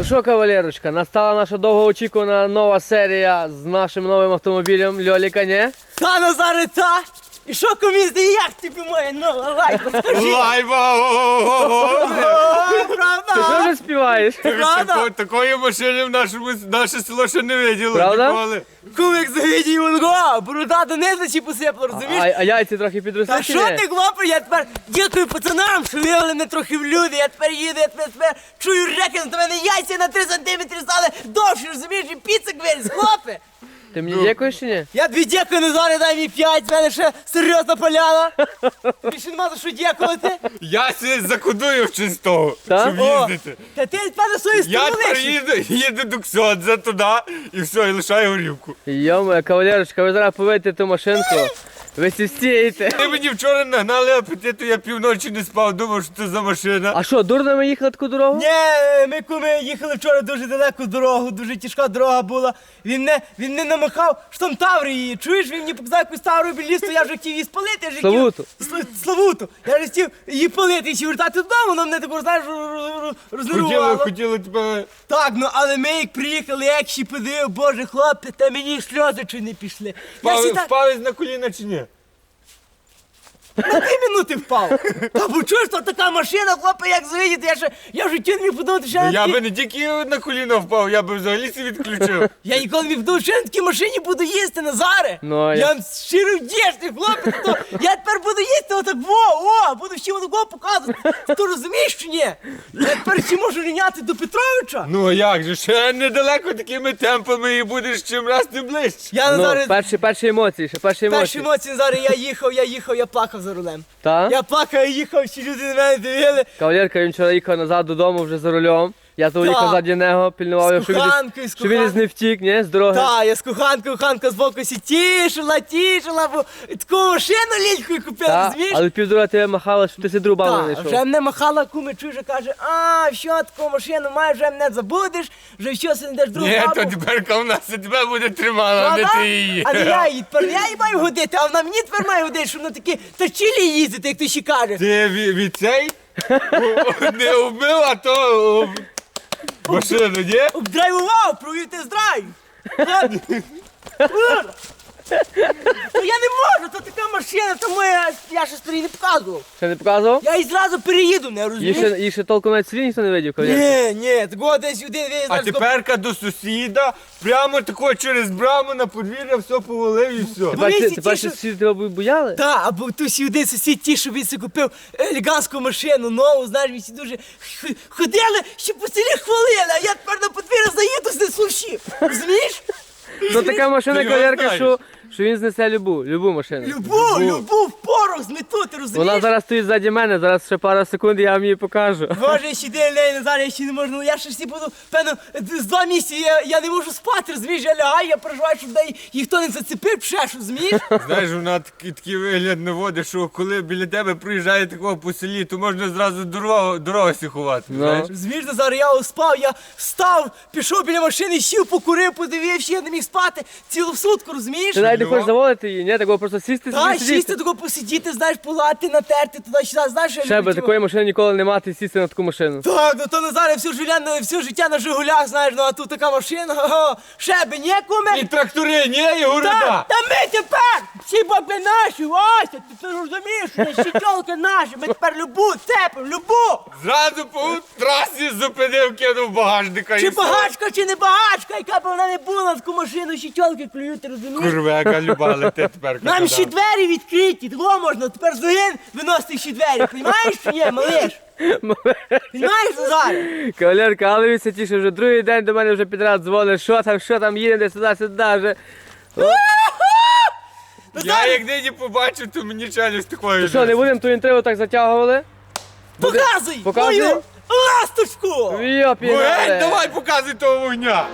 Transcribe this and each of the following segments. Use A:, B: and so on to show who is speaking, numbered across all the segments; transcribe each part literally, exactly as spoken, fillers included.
A: Ну що, кавалерочка, настала наша довгоочікувана нова серія з нашим новим автомобілем Льоліка, не?
B: Та, Назаре, та! І що, комізди, як тобі моя нова лайка, скажи?
C: Лайба!
B: О,
A: Ти що
B: правда?
A: вже співаєш?
B: Правда?
C: Такої машини в нашому наше село ще не виділо.
A: Правда?
C: Ніколи.
B: Кумик завідій Вонго, борода донизу чи посипла, розумієш?
A: А, а яйці трохи підросли
B: Та
A: чи
B: що
A: ні?
B: ти, хлопець, я тепер дякую пацанам, що вивели мене трохи в люди, я тепер їду, я тепер, тепер чую реки, на мене яйця на три сантиметри стали довше, розумієш, і піцик виріс, хлопе!
A: Ти мені дякуєш чи ні?
B: Я тобі дякую, Назаре, дай мені п'ять, в мене ще серйозна поляна. Більше нема за що дякувати.
C: Я сі закодую в чистого,
A: Та?
C: щоб
B: О,
C: їздити.
B: та ти, певно, свою
C: Я
B: сторону
C: тепер
B: лишиш.
C: їду, їду до Ксьодза туди і все, і лишаю горівку.
A: Йома, кавалерочка, ви зараз поведете ту машинку, ви всі стієте.
C: Ти мені вчора нагнали апетиту, я півночі не спав, думав, що це за машина.
A: А що, дурно ми їхали таку дорогу?
B: Ні, ми куми їхали вчора дуже далеку дорогу, дуже тяжка дорога була. Він не, він не намахав, що там Таври її. Чуєш, він мені показав якусь Тавру білісту, я вже хотів її спалити. Я вже хотів-
A: Славуту.
B: Сла- Славуту. Я вже хотів її палити і ще вертати додому, вона мене таку, знаєш, роз- роз-
C: Хотіли,
B: рознервувала.
C: хотіли тебе...
B: Так, ну але ми як приїхали, як ще подив, боже хлопці, та мені сльози чи не пішли. Я
C: Впав,
B: всі так
C: впав на коліна чи ні?
B: на дві минути впав. Та бо чуєш, то така машина, хлопці, як завидіти, я ще, я вже чим не подумати, що я,
C: Ну,
B: на
C: я
B: такій-
C: би не тільки на коліна впав, я би взагалі себе відключив.
B: Я ніколи не подумав, що я на такій машині буду їсти, Назаре.
A: Ну, а
B: я
A: я-
B: вам щиро вдячний, хлопець, то я тепер буду їсти отак, во, о, буду ще отако показувати. Ти розумієш чи ні? Я тепер ще можу рівняти до Петровича.
C: Ну а як же, ще недалеко такими темпами і будеш чим раз тим ближче.
B: Я
A: Ну,
B: Назаре,
A: перші, перші емоції, ще перші
B: перші
A: емоції.
B: емоції, Назаре, я їхав, я їхав, я плакав за рулем.
A: Та?
B: Я плакав, я їхав, всі люди на мене дивили.
A: Кавалерка, він вчора їхав назад додому вже за рулем. Я то
B: Та.
A: їхав ззаді нього, пільнував його,
B: З
A: щоб він
B: коханкою,
A: десь-
B: з
A: щоб він десь
B: коханкою.
A: не втік, ні, з дороги.
B: Так, я з коханкою, коханка з боку сі тішила, тішила, бо таку машину лінькою купила,
A: Та,
B: розумієш?
A: але півдора тебе махала, щоб ти си другу бабу не
B: Так,
A: знайшов.
B: вже мене махала куми, чуже, каже, а, що таку машину маєш, вже мене забудеш, вже що си не даш другу
C: Ні,
B: бабу.
C: то тепер в нас і тебе буде тримала, а не
B: Правда?
C: ти її.
B: А не я її, тепер я її маю годити, а вона мені тепер має годити, щоб на такі тачілі їздити, як ти ще каже.
C: Ти від, від цей о, не вбив, а то о, машину, ні?
B: Обдрайвував, провів тест-драйв. Ну я не можу, то така машина, тому я, я ще старий не показував.
A: Ще не показував?
B: Я її зразу переїду, не
A: Їх
B: розумієш?
A: ще, їх ще толком навіть селі ніхто не видів, кавалерка.
B: Ні, ні, такого десь один він
C: А
B: зараз
C: теперка до сусіда, прямо тако через браму на подвір'я все повалив і все.
A: Тепер,
B: Вони
A: ти-
B: всі
A: тепер
B: ті,
A: ще
B: що-
A: всі тебе бояли?
B: Так, або хтось всі один сусід ті, що він собі купив елегантську машину, нову, знаєш, він всі дуже х- ходили, ще по селі хвалили, а я тепер на подвір'я заїду з неслушів. Розумієш?
A: Ну така машина,
C: Ти його
A: кавалерка,
C: знаєш.
A: що, що він знесе любу, любу машину.
B: Любов, любов, порох змету, ти розумієш?
A: Вона зараз стоїть ззаді мене, зараз ще пару секунд, я вам її покажу.
B: Боже, я ще день неї Назар, я ще не можу, ну я ще всі буду, певно, з два місяці я, я не можу спати, розумієш, я лягаю, я переживаю, щоб дай ніхто не зацепив, пшеш, розумієш?
C: Знаєш, вона такий, такий вигляд наводить, що коли біля тебе проїжджає такого по селі, то можна зразу дорогу, дорогу сіхувати,
A: Ну.
C: знаєш?
B: Розумієш, Назар, я спав, я встав, пішов біля машини, сів, покурив, подивився, я не міг спати цілу сутку, розумієш?
A: Ти навіть не
C: Ну.
A: хочеш заводити її, ні? Такого просто сісти
B: Та,
A: собі
B: сісти,
A: сидіти.
B: тако посидіти, знаєш, полати, натерти, туди-сюди, знаєш, що я
A: Ще
B: люблю
A: би
B: ті
A: такої машини ніколи не мати, сісти на таку машину.
B: Так, ну то Назар, я все життя, на- все життя на Жигулях, знаєш, ну а тут така машина, ого, ще би, ні, куме?
C: І трактори, ні, і
B: Та,
C: города.
B: та ми тепер всі баби наші, Вася, ти, ти розумієш, що щитьолки наші, ми тепер любу цепимо, любу.
C: Зразу по трасі зупинив, кинув багажника
B: Чи
C: і все.
B: багачка, чи не багачка, яка б вона не була, на таку машину щитьолки клюють, ти розумієш?
C: Курвека любали ти тепер.
B: Нам
C: казав.
B: ще двері відкриті, того можна тепер з ногин виносити ще двері, розумієш чи ні, малиш? Розумієш, Назар?
A: Кавалерка, але він тіше вже другий день до мене вже підряд дзвонить, що там, що там, їдемо десь туди, сюди вже.
C: Я як нині побачив, то мені челюсть такою.
A: Що, не будемо ту інтригу так затягували?
B: Показуй
A: Показуй.
B: мою ласточку!
A: Йопі,
C: Геть, давай показуй того вогня.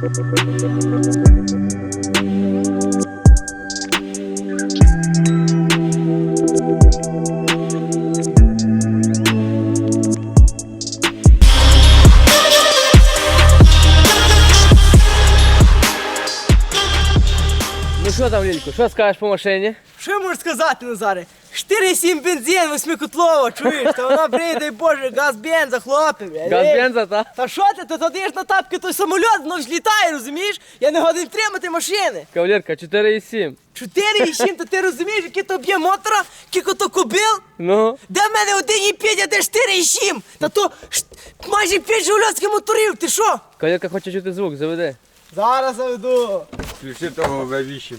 A: Ну що там, Лілько, що скажеш по машині?
B: Що можеш сказати, Назаре? чотири сім бензин, восьмикотлова, чуєш? Та вона, блядь, дай Боже, газ бенза, хлопці, блядь.
A: Газ
B: Ей.
A: бенза, та?
B: Та що ти, ти туди ж на тапки той самоліт, воно ж літає, розумієш? Я не годин тримати машини.
A: Кавалерка, чотири і сім.
B: чотири і сім, то ти розумієш, який то б'є мотора, кілько то кобил?
A: Ну,
B: Де в мене один і п'ять, а де чотири і сім? Та то ш- майже п'ять жигульовських моторів, ти що?
A: кавалерка хоче чути звук, заведи.
B: Зараз заведу.
C: Включи того ве вісім.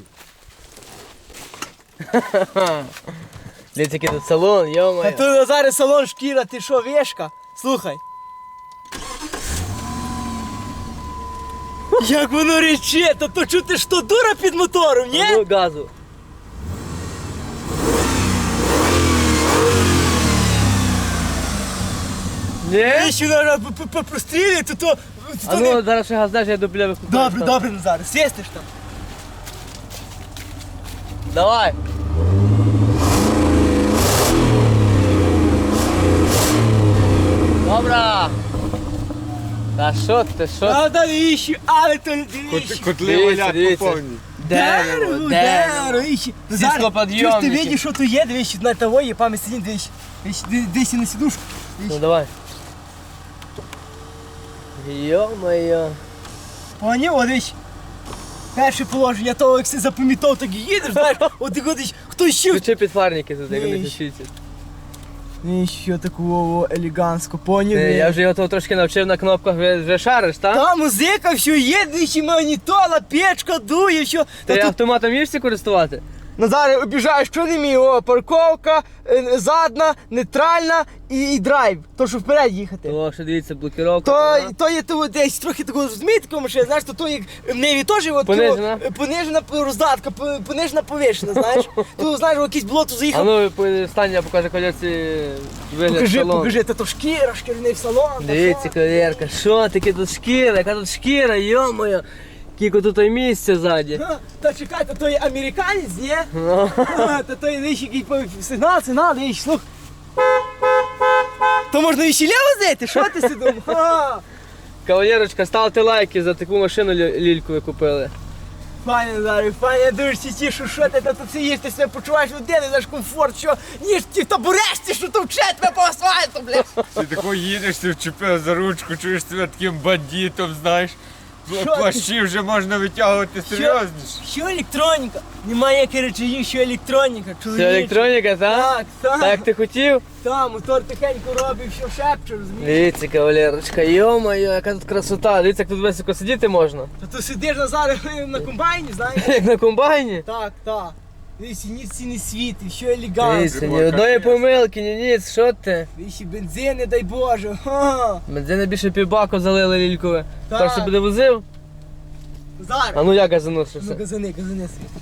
A: Дивіться, який тут салон,
B: А
A: йо-моє.
B: тут Назаре салон шкіра, ти що, вешка? Слухай. Як воно рече, та то чути, що дура під мотором, ні?
A: Ну, газу. Ні?
B: Якщо вона прострілює, то то...
A: А
B: то
A: ну,
B: не-
A: зараз ще газ даш, я до біля викупаю.
B: Добре, добре, Назаре, свистиш там.
A: Давай. Добра. Та що ти, що?
B: А навіщо? Але то
C: Кот-
B: дивіться.
C: Котли
A: Дивіться,
C: валять
A: дивіться.
C: по повній.
A: Дерево,
B: дерево,
A: дерево.
B: іще.
A: Всі
B: Назаре,
A: склоподйомники.
B: чуєш, ти видиш, що то є, дивись, на того є, пам'ять сидінь, дивись. Дивись, дивись на сідушку.
A: Ну давай. Йо-моє.
B: Поняв, о, дивись. Перше положення того, як си запам'ятав, так і їдеш, знаєш, от ти ходиш, хто ще...
A: Включи підфарники тут, як
B: Ні.
A: вони світять.
B: Ні, що такого елегантсько, поняв?
A: Е, Я вже його того трошки навчив на кнопках, вже, вже шариш, так?
B: Та музика, все є, двічі магнітола, печка, дує, все.
A: Ти
B: Та тут,
A: автоматом вмієшся користувати?
B: Назаре, обіжаєш, що не мій, о, парковка, е, задна, нейтральна і, і драйв, то що вперед їхати.
A: О, що дивіться, блокировка.
B: То,
A: ага.
B: то є то десь трохи такого розумієте, такого машина, знаєш, то, то як в неї теж от,
A: Понижена?
B: то, е, понижена роздатка, по- понижена повишена, знаєш. Тут, знаєш, в якийсь болото
A: А
B: заїхав.
A: ну, по- стань, я покажу колеці вигляд
B: Покажи,
A: салону.
B: покажи, та то шкіра, шкіряний салон. та
A: Дивіться,
B: що?
A: кавалерка, що таке тут шкіра, яка тут шкіра, йо-моє. Кілько тут і місця ззаді.
B: Га, Та чекай, то той американець, ні?
A: Ну.
B: Ха, Та той вищий який по- сигнал, сигнал, вищий, слух. То можна і ще ліво зайти, що ти сидиш? Ха.
A: Кавалерочка, ставте лайки за таку машину лі- лільку ви купили.
B: Пане Назарі, пане, я дуже тішу, що ти та тут сидиш, ти себе почуваєш людини, знаєш комфорт, що ніж ті табурешці, що товче тебе по асфальту, блядь.
C: Ти тако їдеш, ти вчепив за ручку, чуєш себе таким бандитом, знаєш.
B: Що
C: Плащі вже можна витягувати серйозніше.
B: Що електроніка? Немає ніяких речей, що електроніка, чоловіче.
A: Це електроніка, так?
B: Так, так.
A: Так як ти хотів?
B: Та, мотор тихенько робить, що шепче, розумієш?
A: Дивіться, кавалерочка, йо-моє, яка тут красота. Дивіться, як тут високо сидіти можна.
B: Та ти сидиш Назаре на комбайні, знаєш?
A: Як на комбайні.
B: Так, так. Дивіться, ні ці не світи, що елегантно.
A: Дивіться, ні одної помилки, ні ніц, що ти?
B: Вічі бензини, дай Боже. Ха.
A: Бензини більше півбаку залили лількове.
B: Так.
A: Так що буде возив?
B: Зараз.
A: А ну як я
B: Ну,
A: заносився?
B: газани, газани світ.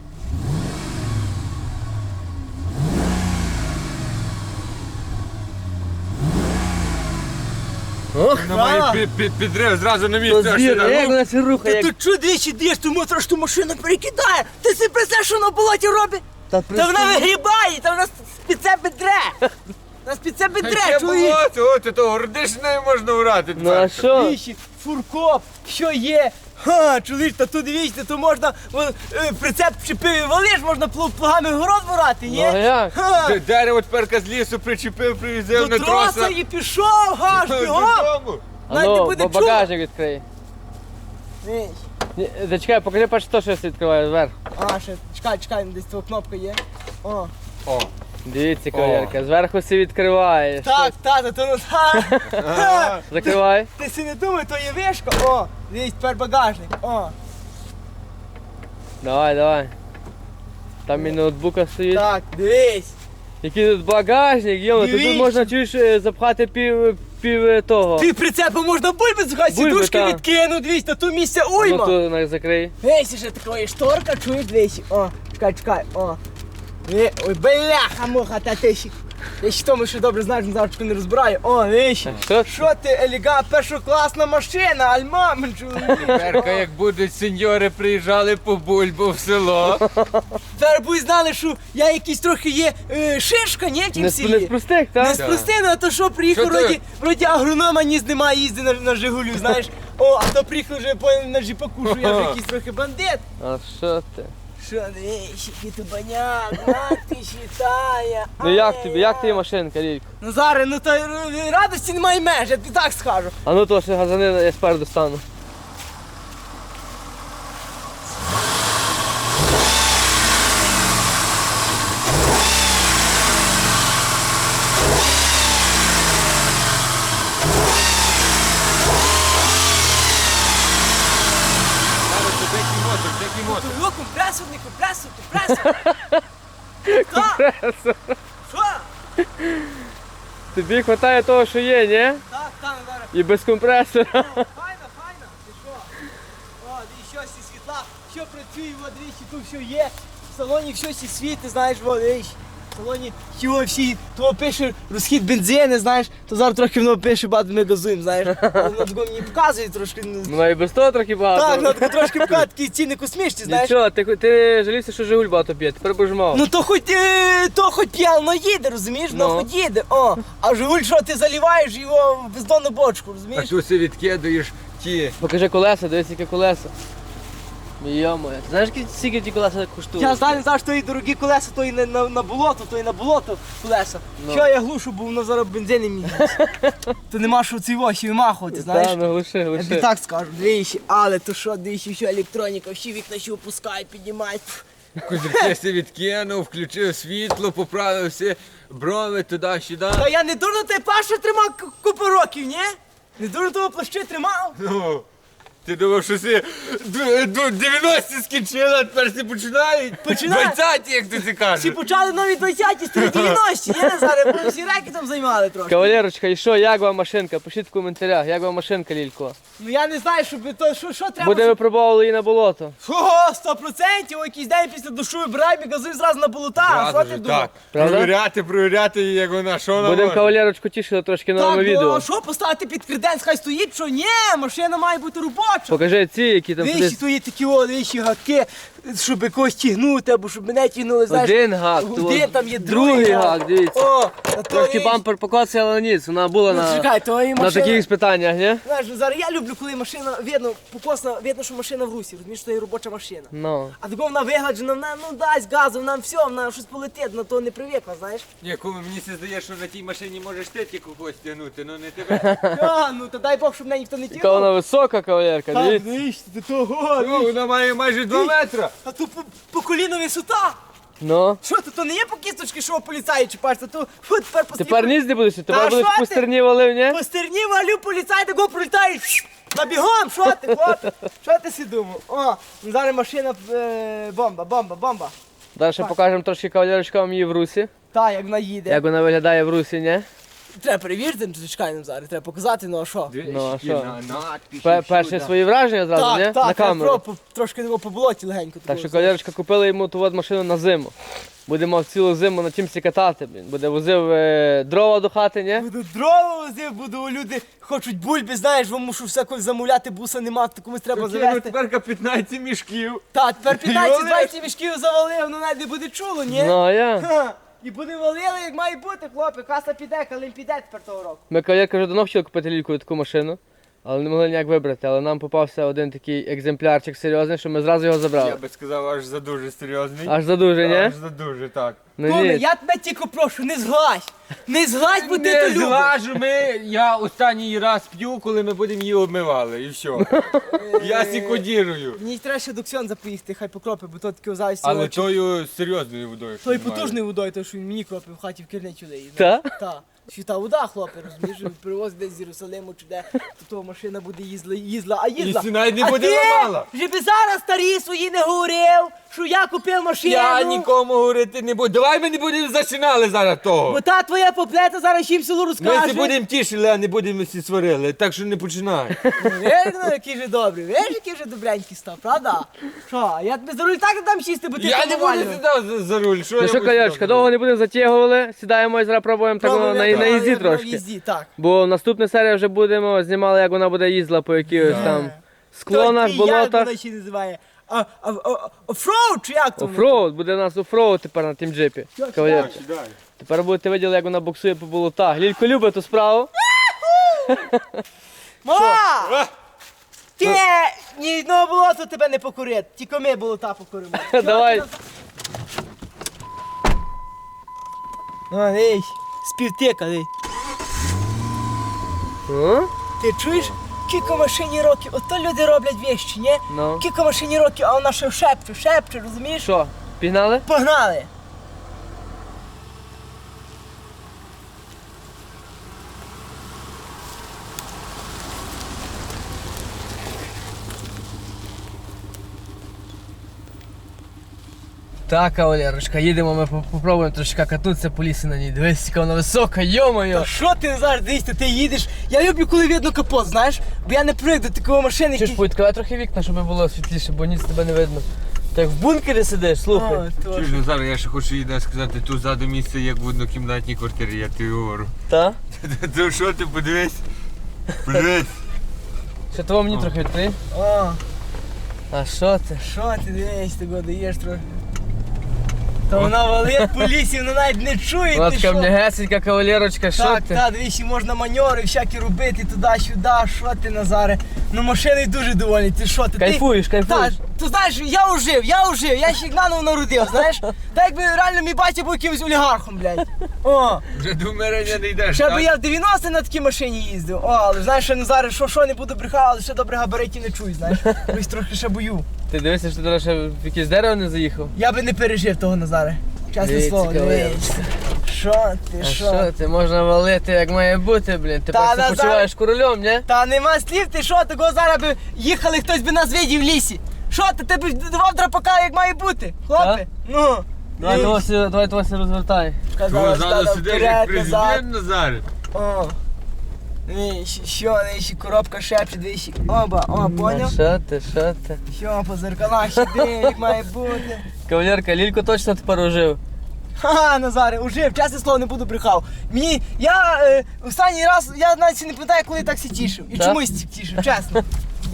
A: Ох,
C: На має
B: Так.
C: пі- пі- підрив зразу на
A: то
C: місце. аж
A: звір,
C: сюди.
A: як
C: Ну,
A: вона це рухає?
B: Та
A: Як...
B: ти чого двічі дієш, ти мотор, що машина перекидає? Ти собі представляєш, що вона в болоті робить?
A: Та
B: Та вона вигрібає, та вона під себе дре. Нас під себе дре,
C: Яке
B: чоловік.
C: болото, о, ти то гордишнею можна врати.
A: Ну а що?
B: Вічі, фуркоп, що є? Ха, чоловік, та тут дивіться, то можна вон, е, прицеп чіпив і валиш, можна плу- плугами город ворати, ні?
A: Ну, а як?
B: Ха,
C: Д- Дерево тепер з лісу причепив, привізив
B: до
C: на
B: троса
C: троса.
B: і пішов, гаш, бігом.
C: Додому.
A: А
B: Навіть не
A: ну,
B: буде
A: ба- багажник відкрий.
B: Віч.
A: Ні, Зачекай, покажи перше то, що я відкриваю зверху.
B: А, ще, чекай, чекай, десь твоя кнопка є. О.
C: О,
A: Дивіться, кавалерка, зверху все відкриваєш.
B: Так, тата, то ну так.
A: Закривай.
B: Ти си не думай, то є вишка. О, дивись, тепер багажник. О,
A: Давай, давай. Там і ноутбука стоїть.
B: так, дивись.
A: Який тут багажник, йома, тут
B: Дивіться.
A: можна чуєш е, запхати пів, пів е, того.
B: Ти прицепом можна бульби згай,
A: Бульби,
B: сідушки
A: та.
B: відкину, дивись, та тут місця
A: Ну
B: уйма.
A: то на- закрий.
B: Дивись, ще такої шторка, чуєш, дивись. О, чекай, чекай, о. Е, Ой, бляха, муха, та ти ще. Я ще тому, що добре знаєш, він завжди не розбирає. О, віщ.
A: Що?
B: Що ти, елега, першокласна машина, альмамен, чоловік.
C: Перка, як будуть сеньори приїжджали по бульбу в село.
B: Тепер будь знали, що я якийсь трохи є е, шишка, ні, в тім
A: Не, з- не з
B: селі.
A: простих,
B: Не
A: так?
B: з простини, а то що приїхав,
C: Що ти?
B: вроді, вроді агронома ніс немає, їздить на, на Жигулю, знаєш. О, а то приїхав вже по, на джіпаку, що я вже якийсь трохи бандит.
A: А що ти?
B: Що, дивись, який ти баняк, на ти считає.
A: Ну як тобі, як тобі машинка, Лілько?
B: Ну зараз, ну то е, радості немає меж, я тобі так скажу.
A: А ну то ще газани я спереду стану.
C: Зараз це дикий мотор, дикий мотор.
B: Йо, компресор, не компресор, компресор. Компресор. Що?
A: Тобі вистачає того, що є, ні?
B: Так, так, зараз.
A: І без компресора.
B: Файна, файна, ти що? О, дивись, щось і світла, що працює, от дивись, тут все є. В салоні щось і світи, знаєш, от дивись. В салоні чого всі, то пише розхід бензину, знаєш, то зараз трохи воно пише, багато ми газуємо, знаєш. Але воно такого мені показує трошки. ну,
A: Ну і без того трохи багато.
B: Так, воно таке трошки показує, такі ціни космічні, знаєш.
A: Нічого, ти, ти жалівся, що Жигуль багато п'є, тепер будеш мав.
B: Ну то хоч, е, то хоч п'яно їде, розумієш? Ну,
A: Ну.
B: хоч їде, о. А Жигуль, що ти заливаєш його в бездонну бочку,
C: А
B: розумієш?
C: тут си відкидаєш ті.
A: Покажи колеса, дивись, яке колеса. Йо-моє, ти знаєш, скільки- скільки ті колеса коштують?
B: Я знаю, знаєш, то і дорогі колеса, то і на, на, на болото, то і на болото колеса.
A: Ну.
B: Що я глушу, бо воно зараз бензин не мій. То нема що цей воші вимахувати, знаєш?
A: Та, ну глуши,
B: Я тобі
A: глуши.
B: так скажу, двічі, але то що, двічі, що електроніка, всі вікна ще опускають, піднімають. Пф.
C: Козирки си відкинув, включив світло, поправив всі брови туди-сюди.
B: Та я не дурно той пашу тримав ку- купу років, ні? Не дурно того плащу тримав?
C: Ну, ти думав, що си ду- ду- дев'яності скінчили, а тепер всі починають?
B: Починають.
C: двадцяті, як ти це
B: Всі
C: кажеш.
B: почали нові двадцяті, старі дев'яності, є зараз, бо всі реки там займали трошки.
A: Кавалерочка, і що, як вам машинка? Пишіть в коментарях, як вам машинка, Лілько?
B: Ну я не знаю, що би то, що, що треба.
A: Будемо випробовували її на болото.
B: Ого, сто процентів, о, якийсь день після душу вибираємо і газуй зразу на болота, а що
C: Зразу
B: ти
C: ж
B: думав?
C: так.
A: Правда?
C: Провіряти, провіряти, як вона, що вона
A: Будемо
C: може.
A: кавалерочку тішити трошки новими
B: Так, ну,
A: відео.
B: а що поставити під креденс, хай стоїть, що ні, машина має бути робоча.
A: Покажи ці, які там
B: Вищі
A: сидять.
B: твої такі о, вищі гаки, щоб якось тягнути, або щоб мене тягнули, знаєш.
A: Один гак,
B: Один
A: то
B: там є
A: другий гак, дивіться.
B: О, а то
A: Трошки
B: вісь.
A: бампер покоцає, але ніц, вона була
B: Ну,
A: на,
B: чекай, то і
A: на
B: машина.
A: таких спитаннях, ні?
B: Знаєш, ну, зараз я люблю, коли машина, видно, покосна, видно, що машина в русі, розумієш, що це є робоча машина.
A: Ну.
B: А тако вона вигладжена, вона ну дасть газу, вона все, вона щось полетить, на то не привикла, знаєш.
C: Ні, куме, мені се здає, що на тій машині можеш ти тільки когось тягнути, ну не тебе.
B: А, ну то дай Бог, щоб мене ніхто не
A: Яка
B: тягнув.
A: вона висока, кавалерка,
B: Так,
A: дивіться.
B: дивись, ти того,
C: Ну, вона має майже два метри.
B: а то по, по коліну висота.
A: Ну.
B: Що то, то не є по кісточки, що поліцаї чіпаєшся, то фу, тепер по
A: Тепер ніц не будеш,
B: Та
A: тепер будеш
B: що
A: по
B: ти?
A: стерні валив, ні?
B: По стерні валю, поліцай тако пролітає, набігом, що ти, хлопець? Що ти си думав? О, ну зараз машина, е, бомба, бомба, бомба.
A: Далі покажемо трошки кавалерочка вам її в русі.
B: Та, як вона їде.
A: Як вона виглядає в русі, ні?
B: Треба перевірити, ну, чекай нам зараз, треба показати, ну а що?
A: Ну, а що?
C: На- надписи
A: Пе-
C: всюди.
A: Перші свої враження зразу, ні?
B: Так,
A: На
B: так, треба
A: камеру.
B: про- трошки його по болоті легенько.
A: Так
B: такого,
A: що
B: знаєш.
A: кавалерочка купила йому ту от машину на зиму. Будемо цілу зиму на чимсі катати, блін. Буде возив е, дрова до хати, ні?
B: Буду дрова возив, буду люди хочуть бульби, знаєш, бо мушу все когось замовляти, буса нема, то комусь треба
C: Такі, ну,
B: завести.
C: тепер п'ятнадцять мішків.
B: Та, тепер
C: Йоли.
B: п'ятнадцять-двадцять мішків завалив, ну навіть не буде чуло, ні?
A: Ну а я.
B: Ха, і буде валили, як має бути, хлопці, каса піде, калим піде тепер того року.
A: Ми кавалерка вже давно хотіли купити Лільку таку машину, але не могли ніяк вибрати. Але нам попався один такий екземплярчик серйозний, що ми зразу його забрали.
C: Я би сказав, аж за дуже серйозний.
A: Аж за дуже, ні?
C: Аж за дуже, так.
A: Ну
B: Коме,
A: ні.
B: я тебе тільки прошу, не зглазь! Не зглазь, бо ти то
C: Не
B: любиш!
C: злажу ми, я останній раз п'ю, коли ми будемо її обмивали, і все. Я сікодірую.
B: Мені треба ще до Ксьонза поїхати, хай покропи, бо то таке озайся
C: Але
B: очі.
C: тою серйозною водою.
B: Тою
C: що немає.
B: потужною водою, то що він мені кропив в хаті в керничу дає.
A: Та?
B: Та. Світа вода, хлопці, розумієш, привозить десь з Єрусалиму чи де, то того машина буде їздила, їздила, а їздила.
C: І навіть не
B: а
C: буде
B: ти
C: ламала.
B: вже би зараз старі свої не говорив, що я купив машину.
C: Я нікому говорити не буду. Давай ми не будемо зачинали зараз того.
B: Бо та твоя поплета зараз всім селу
C: Ми
B: розкаже.
C: всі будемо тішили, а не будемо всі сварили. Так що не починай.
B: Виж, ну, який же добрий, виж, який же добренький став, правда? Що, я тобі за руль так не дам сісти, бо ти
C: Я
B: там
C: не буду
B: навалював.
C: сідати за, за руль. Що
A: Ну
C: я
A: що,
C: буду
A: колячка,
C: сідати?
A: довго не будемо затягували, сідаємо і зараз пробуємо так
B: Пробуй,
A: на,
B: я
A: на, на їзді
B: на
A: трошки.
B: їзді, так.
A: Бо наступна серія вже будемо знімали, як вона буде їздила по якихось там склонах,
B: Той, як
A: болотах.
B: вона ще називає? А, а, а, офроуд, чи як то? воно?
A: Офроуд, буде у нас офроуд тепер на тім джипі. Кавалерка.
C: Сідай.
A: Тепер будете виділи, як вона боксує по болотах. Лілько любить ту справу.
B: Мала!
C: А!
B: Ти ні одного болота тебе не покорить, тільки ми болота покоримо.
A: Давай.
B: Ну, ей, співтика, ей.
A: О?
B: Ти чуєш? Кілька машині років, ото люди роблять вещі, ні?
A: Ну.
B: Кілька машині років, а вона ще шепче, шепче, розумієш?
A: Що, пігнали?
B: Погнали!
A: Так, кавалерочка, їдемо, ми по- попробуємо трошки катнутися по лісі на ній. Дивись, яка вона висока, йо-моє.
B: Та що ти зараз дивишся, ти їдеш? Я люблю, коли видно капот, знаєш? Бо я не привик до такої машини,
A: Чи ж
B: які...
A: повідкривай трохи вікна, щоб було світліше, бо ніц тебе не видно. Так в бункері сидиш, слухай.
B: О, то
C: Чуєш,
B: ж.
C: ну зараз я ще хочу їй сказати, тут ззаду місце, як в однокімнатній квартирі, я тобі говорю.
A: Та?
C: То що ти подивись? Подивись.
A: Що того мені трохи відкрий?
B: О,
A: А що ти?
B: що ти дивись, ти го даєш трохи? Та вона валить по лісі, вона навіть не чує,
A: Вона
B: ти
A: така
B: що?
A: м'ягесенька кавалерочка, що
B: Так,
A: ти?
B: так, дивись, і можна маньори всякі робити туди-сюди, що ти, Назаре? Ну машиною дуже довольний, ти що ти?
A: Кайфуєш,
B: ти...
A: кайфуєш.
B: Так, ти знаєш, я ужив, я ужив, я ще наново народив, знаєш? Так якби реально мій батя був якимось олігархом, блядь. О,
C: Вже до вмирання не йдеш,
B: ще
C: так?
B: би я в дев'яності на такій машині їздив. О, але знаєш, що Назаре, що, що не буду брехати, але ще добре габаритів не чую, знаєш? Ось трохи ще бою.
A: Ти дивишся, що ти зараз ще в якесь дерево не заїхав?
B: Я би не пережив того, Назаре. Чесне
A: Дивіться,
B: слово,
A: кавалерочка.
B: дивись. Що ти,
A: А
B: що?
A: що ти, можна валити як має бути, блін. Ти
B: Та,
A: просто
B: Назар-
A: почуваєш королем, ні?
B: Та нема слів, ти що, такого зараз би їхали, хтось би нас видів в лісі. Що ти, ти б давав драпака, як має бути, хлопе?
A: Так?
B: Ну.
A: Давай
B: Ей,
A: того сі- давай того сі розвертай.
B: казала,
C: Ззаду
B: стала
C: сидиш
B: вперед,
C: як
B: назад.
C: президент Назар.
B: О. Ні, щ- що, ні, ще коробка шепче, двічі. Оба, о,
A: А
B: поняв?
A: що ти, що ти?
B: Що, по зеркалах ще диви, як має бути.
A: Кавалерка, Лілько точно тепер ожив.
B: Ха-ха, Назаре, ужив, чесне слово, не буду брехав. Мені, я е, останній раз, я навіть не пам'ятаю, коли так всі тішив. І
A: Так?
B: чомусь тішив, чесно.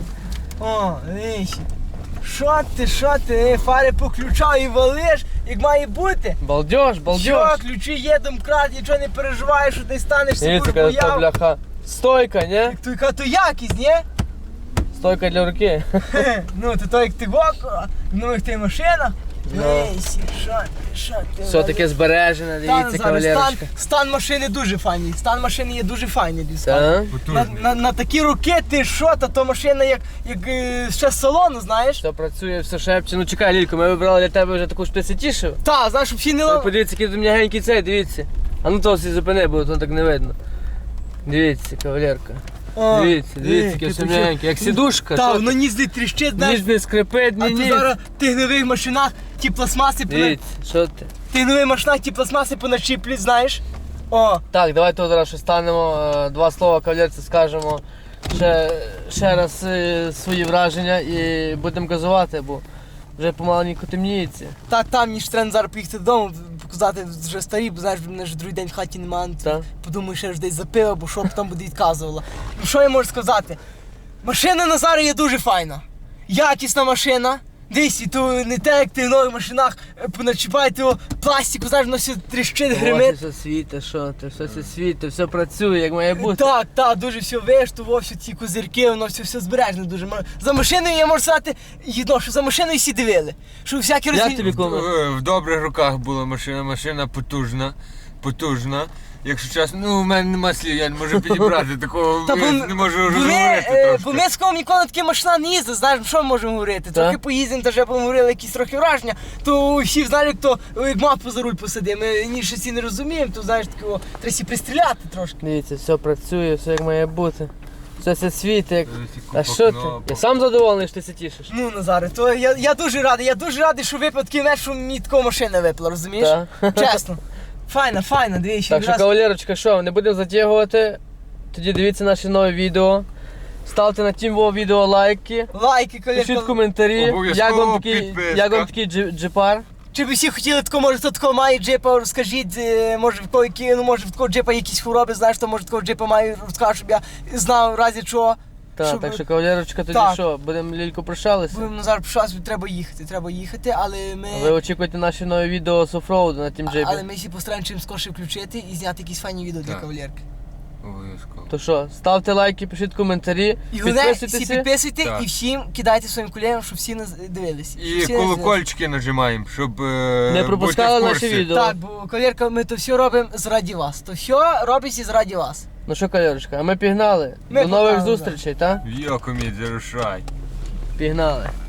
B: О, віщі. Що ти, що ти, е, фари поключав і валиш, як має бути.
A: Балдеж,
B: Що,
A: балдеж.
B: ключі є, домкрат, нічого не переживаєш, що ти станеш
A: Дивіться,
B: собою
A: яка та
B: бояв.
A: бляха. Стойка, ні?
B: Як то, яка то якість, ні?
A: Стойка для руки.
B: Хе, ну, то то як ти вок, в нових ти машинах.
A: Ну.
B: Віщі, що ти, що ти.
A: Все
B: валиш.
A: таке збережене,
B: Та,
A: дивіться,
B: Назаре,
A: кавалерочка.
B: стан, стан машини дуже файний. Стан машини є дуже файний, тобі скажу.
A: Так?
B: На,
C: Потужний.
B: на, на такі руки ти що, та то машина як, як е, ще з салону, знаєш?
A: Все працює, все шепче. Ну чекай, Лілько, ми вибрали для тебе вже таку ж ти си тішив.
B: Та, знаєш, щоб всі не
A: Ви
B: лав...
A: подивіться, який тут м'ягенький цей, дивіться. А ну того всі зупини, бо то так не видно. Дивіться, кавалерка.
B: О,
A: Дивіться, дивіться,
B: е,
A: яке
B: ти
A: все
B: тут
A: м'ягеньке. Як
B: що?
A: сідушка.
B: Та,
A: що
B: воно
A: ти?
B: нізди тріщить, знаєш.
A: Ніж не скрипить,
B: А
A: ні,
B: то
A: ні.
B: зараз в тих нових машинах ті пластмаси понад...
A: Дивіться, що ти?
B: В тих нових машинах ті пластмаси поначіплять, знаєш? О,
A: Так, давайте от зараз ще станемо, е, два слова кавалерці скажемо. Ще, ще раз е, свої враження і будемо газувати, бо вже помаленьку темніється.
B: та там ніж треба зараз поїхати додому, показати вже старі, бо знаєш, мене ж другий день в хаті немає.
A: Так.
B: Подумаю, що я ж десь запив, бо що б там буде відказувала. Ну що я можу сказати? Машина Назара є дуже файна. Якісна машина. Дивись, і то не те, як ти в нових машинах е, поначіпаєте його пластику, знаєш, воно все тріщить,
A: Ось
B: гримить.
A: все світе, що ти, все все світе, все працює, як має бути.
B: Так, так, дуже все виштував, всі ці козирки, воно все, все збережне дуже. Ма- За машиною я можу сказати, єдно, що за машиною всі дивили. Що всякі
A: Як
B: розві...
A: тобі куме?
C: В в добрих руках була машина, машина потужна, потужна. Якщо чесно, ну у мене нема слів, я не можу підібрати такого,
B: Та
C: я
B: бо-
C: не можу
B: Бо ми,
C: розговорити
B: е,
C: трошки.
B: бо ми з кого ніколи такі машина не їздили, знаєш, що ми можемо говорити? Трохи поїздимо, то вже поговорили якісь трохи враження, то всі знають, хто як мапу за руль посадив. Ми ні щось і не розуміємо, то знаєш, такого треба всі пристріляти трошки.
A: Дивіться, все працює, все як має бути. Все це світить. Як...
C: Ось і
A: А
C: купа
A: що ти?
C: кнопок.
A: Я сам задоволений, що ти це тішиш.
B: Ну, Назаре, то я, я дуже радий, я дуже радий, що випав такий меч, що мені такого машина випала, розумієш?
A: Так.
B: Чесно. Файна, файна, дивіться.
A: Так що,
B: якраз-
A: кавалерочка, що, не будемо затягувати. Тоді дивіться наші нові відео. Ставте на тім во відео лайки.
B: Лайки,
A: Пишіть
B: колірка.
A: коментарі,
C: Обов'язково
A: як вам такий,
C: підписка.
A: як вам такий джи- джипар.
B: Чи ви всі хотіли такого, може хто такого має джипа, розкажіть, е, може в кого які, ну може в такого джипа якісь хвороби, знаєш, то може такого джипа має, розкажу, щоб я знав в разі чого.
A: Так,
B: Щоб-
A: так що, кавалерочка, тоді
B: Так.
A: що, будемо лілько прощалися.
B: Будемо зараз пишатися, треба їхати, треба їхати, але ми...
A: Ви очікуйте наші нові відео з офроуду на тім джипі.
B: Але ми всі постараємося чим скорше включити і зняти якісь файні відео для
C: Так.
B: кавалерки.
C: Обов'язково.
A: То що, ставте лайки, пишіть коментарі,
B: І головне, всі
A: підписуйтеся.
B: підписуйте
C: Так.
B: і всім кидайте своїм колегам, щоб всі нас дивилися.
C: І
B: Всі нас
C: колокольчики нажимаємо, щоб е,
A: Не пропускали
C: бути в
A: наші
C: курсі.
A: відео.
B: дивилися. Так, бо кавалерка, ми то все робимо заради вас. То все робиться заради вас.
A: Ну що, кавалерочка, а ми пігнали.
B: Ми
A: До нових
B: погнали,
A: зустрічей, так?
C: Йо, комід, зарушай.
A: Пігнали.